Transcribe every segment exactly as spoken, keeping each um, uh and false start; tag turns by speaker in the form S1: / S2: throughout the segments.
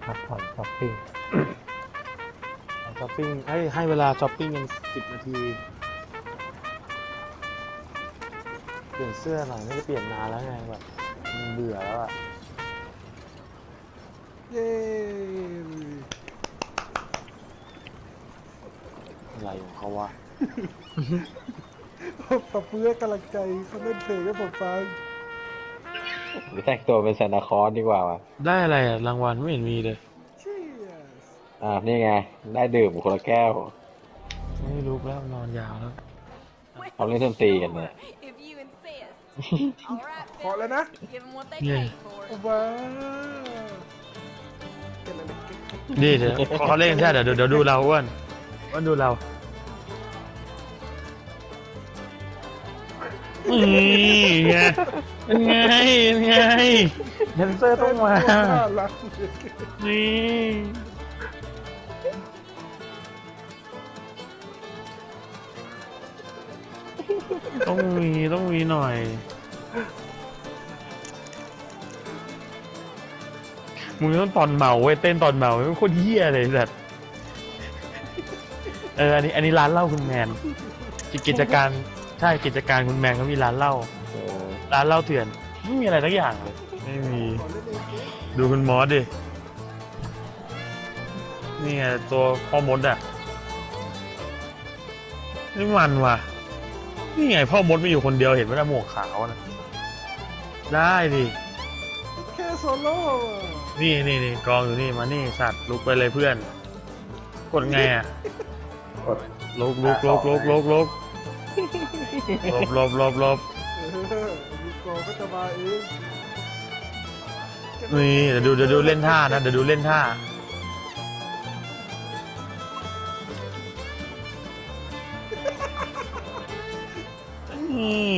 S1: พักผ่อนช้อปปิ้ง
S2: ช้อปปิ้งให้ให้เวลาช้อปปิ้งกันสิบนาทีเปลี่ยนเสื้อหน่อยไม่ได้เปลี่ยนนานแล้วไงแบบมันเบื่อแล้วอะ
S3: เย้
S2: อะไรของเขาวะ
S3: ปรับเพื่อกำลังใจเขาเล่นเพลงให้ผมฟัง
S1: หรือแต่งตัวเป็นซานตาคลอสดีกว่าวะ
S2: ได้อะไรอะรางวัลไม่เห็นมีเลย
S3: Cheers
S1: อ่านี่ไงได้ดื่มคนละแก้ว
S2: ไม่ลุกแล้วนอนยาวแล้ว
S1: เขาเล่นดนตรีกันเนี่ย
S4: If you insist. All right,
S3: พอแล้วนะ
S4: give them what they
S2: Yeah.
S4: paid for.
S3: ว้าวเก่งอะไรเก่ง
S2: ดีเถอะพอเขาเล่นใช่เดี๋ยวเดี๋ยวดูเราอ้วนอ้วนดูเรานี่ไงเป็นไงเป็นไงแดนเซอร์ต้องมา
S3: น่ารัก
S2: นี่ต้องมีต้องมีหน่อยมึงต้องตอนเมาเว้ยเต้นตอนเมาไม่โคตรเหี้ยเลยสัตว์เอออันนี้อันนี้ร้านเหล้าคุณแมนกิจการใช่กิจการคุณแมนเขามีร้านเหล้า
S1: เออ
S2: ร้านเหล้าเถื่อนไม่มีอะไรสักอย่างเลยไม่มี
S3: ขอเล่นเองสิ
S2: ดูคุณมอสดินี่ไงตัวพ่อมดอ่ะนี่มันว่ะนี่ไงพ่อมดไม่อยู่คนเดียวเห็นไหมล่ะหมวกขาวนะได้ดิ
S3: แค่โซโล่อะ
S2: นี่นี่นี่กองอยู่นี่มานี่สัตว์ลุกไปเลยเพื่อน กดไงอ่ะ
S1: กด
S2: ลุกลุกลุกลุกลุกลุกลบลบลบลบ
S3: เออมีกองก็จะมาเอง
S2: นี่เดี๋ยวดูเดี๋ยวดูเล่นท่านะเดี๋ยวดูเล่นท่านี่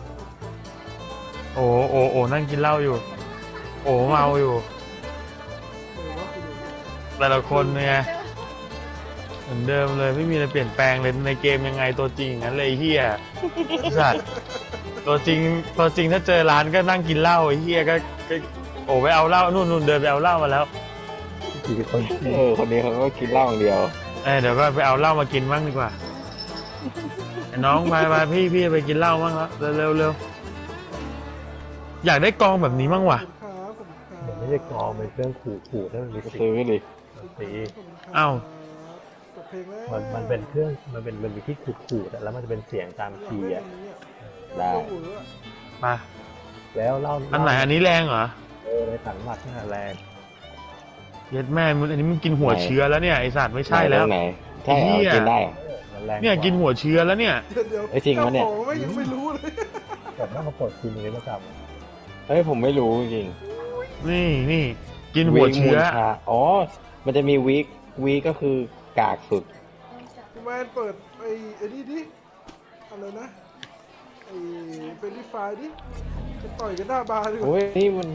S2: โอ้โอ้โอ้นั่งกินเหล้าอยู่ โอ้เมาอยู่
S3: เออว่าคุณดูเนี่ย
S2: แต่ละคนเนี่ยเหมือนเดิมเลยไม่มีอะไรเปลี่ยนแปลงเลยในเกมยังไงตัวจริงอย่างนั้นเลยไอ้เฮียสัตว์ตัวจริงตัวจริงถ้าเจอร้านก็นั่งกินเหล้าไอ้เฮียก็ก็โอ้ไปเอาเหล้านู่นนู่นเดินไปเอาเหล้ามาแล้ว
S1: กี่คนเออคนนี้เขาก็กินเหล้าอย่างเดียว
S2: เอ้ยเดี๋ยวก็ไปเอาเหล้ามากินบ้างดีกว่าไอ้น้องไปไปพี่พี่ไปกินเหล้าบ้างแล้วเร็วเร็วเร็วอยากได้กองแบบนี้บ้างว่ะ
S3: ขอบคุณครับขอบคุณครับ
S1: มันไม่ใช่กองเป็นเครื่องขู่ขู่ถ้ามันมีซื้อดิ
S3: ขอบคุณครับ
S2: เอ้า
S3: จบเพลงแล้ว
S1: มันมันเป็นเครื่องมันเป็นมันมีที่ขู่ขู่แต่แล้วมันจะเป็นเสียงตามคีย์อ่ะ ได้
S2: มา
S1: แล้วเล่า
S2: อันไหนอันนี้แรงเหรอ
S1: เออในสันหมัดนี่แรง
S2: เย็ดแม่มึงอันนี้มึงกินหัวเชื้อแล้วเนี่ยไอสัตว์ไม่ใช่แล้ว
S1: ไหนใช่เหรอกินได้เหรอมันแรง
S2: เนี่ยกินหัวเชื้อแล้วเนี่ย
S3: เดี๋ยว
S1: ไอ้จริงวะเนี่ย
S3: จ้าของไม่ยังไม่รู้เลย
S1: แต่ต้องมากดทีนี้ประจำเฮ้ยผมไม่รู้จริง
S2: นี่นี่กินหัวเชื้อ
S1: วีคมูลค่าอ๋อมันจะมีวีควีคก็คือกากสุด
S3: พี่แมนเปิดไอ้ไอ้นี่ดิอะไรนะไอ้เป็นรีไฟล์ดิจะต่อยกันหน้าบาร์ดีกว่า
S1: โอ้ยนี่มัน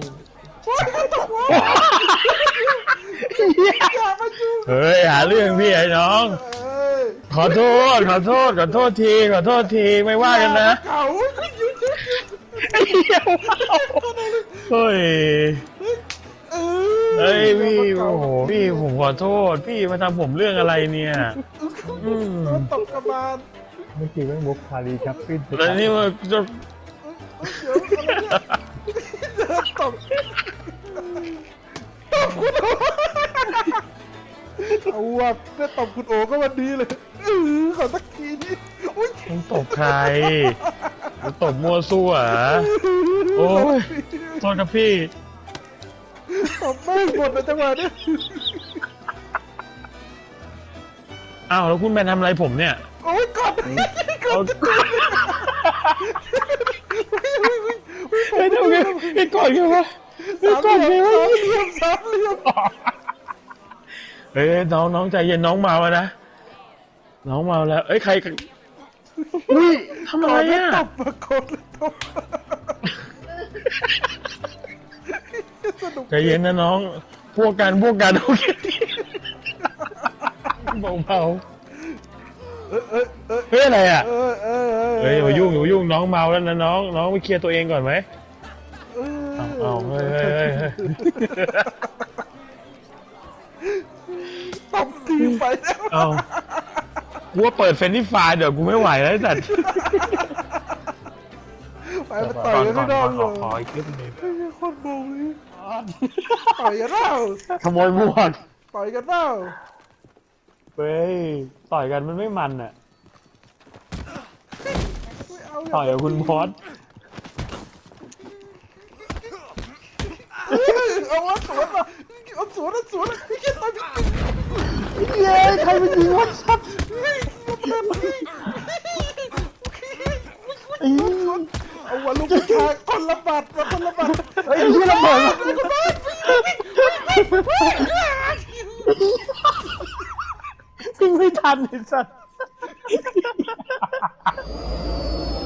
S3: อย่ามาจุ๊บ
S2: เฮ้ยหาเรื่องพี่ไอ้น้อง
S3: เอ้ย
S2: ขอโทษขอโทษขอโทษทีขอโทษทีไม่ว่ากันนะ
S3: เก่าหยุดหยุดหยุด
S2: ไอ้เหี้ยเฮ้ย
S3: เอ
S2: เฮ้ยพี่โอ้โหพี่ผมขอโทษพี่มาทำผมเรื่องอะไรเนี่ยอืม
S3: โดนตบกระบาล
S1: เมื่อกี้มันมุกคารีชัปปิ้น
S2: แล้วนี่มันจะ
S3: เดี๋ยวอะไรเนี่ยเดินตบตบคุณโอเอาว่ะได้ตบคุณโอก็วันดีเลยเออขอสักทีนี่อุ้ย
S2: มึงตบใครมึงตบมั่วซั่วเหรอโอ้ยโทษครับพี่
S3: ตบไม่หมดในจังหวะนี้
S2: อ้าวแล้วคุณแมนทำอะไรผมเนี่ย
S3: โอ้ยกด
S2: เอาเฮ้ยทำไงไอ้ก่อนกันวะไอ้
S3: สาม
S2: ก่อน
S3: เห
S2: ไง
S3: ลี่ยว
S2: ะ
S3: สามเหลี่ยมสามเหลี่ยม
S2: เฮ้ยน้องน้องใจเย็นน้องเมาแล้วนะน้องเมาแล้วเอ้ยใครกันอุ้ยทำอะไรอ่ะ
S3: ตบมากดเลยตบสนุก
S2: ใจเย็นนะน้องพวกกันพวกกันโอเคเบาเบา
S3: เอ้ยเอ้ยเอ้ย
S2: เฮ้ยอะไรอ่ะ
S3: เอ้ยเอ้ย
S2: เฮ้ยอย่ามายุ่งอย่ามายุ่งน้องเมาแล้วนะน้องน้องไปเคลียร์ตัวเองก่อนไหม
S3: เอ้ย
S2: เอาเอาเฮ้ยเฮ้ยเฮ้ยเฮ้ย
S3: ไปแล้ว
S2: เอากูว่าเปิดเฟรนดี้ไฟล์เดี๋ยวกูไม่ไหวแล้วแต่
S3: ไปมาต่อยกันไม่ได้
S2: ข
S3: เล
S2: อย ขออีกคลิปหนึง
S3: ไอ้เหี้ยโคตรโมงเลยต่อยกันเปล่า
S2: ขโมยหมวก
S3: ต่อยกันเปล่า
S2: เฮ้ยต่อยกันมันไม่มันอ่ะ
S3: ไม่เอา
S2: ต่อยกับคุณพอส
S3: เอาว่าสวนมาเอาสวนเอาสวนไอ้เหี้ยต่อย
S2: เย้ใครเป็นยิงวัดซับไอ้
S3: เอาวันลูกผู้ชายคนละบาทมาคนละบาท
S2: ไอ้ที่ระเบิดยิงไม่ทันไอ้สัส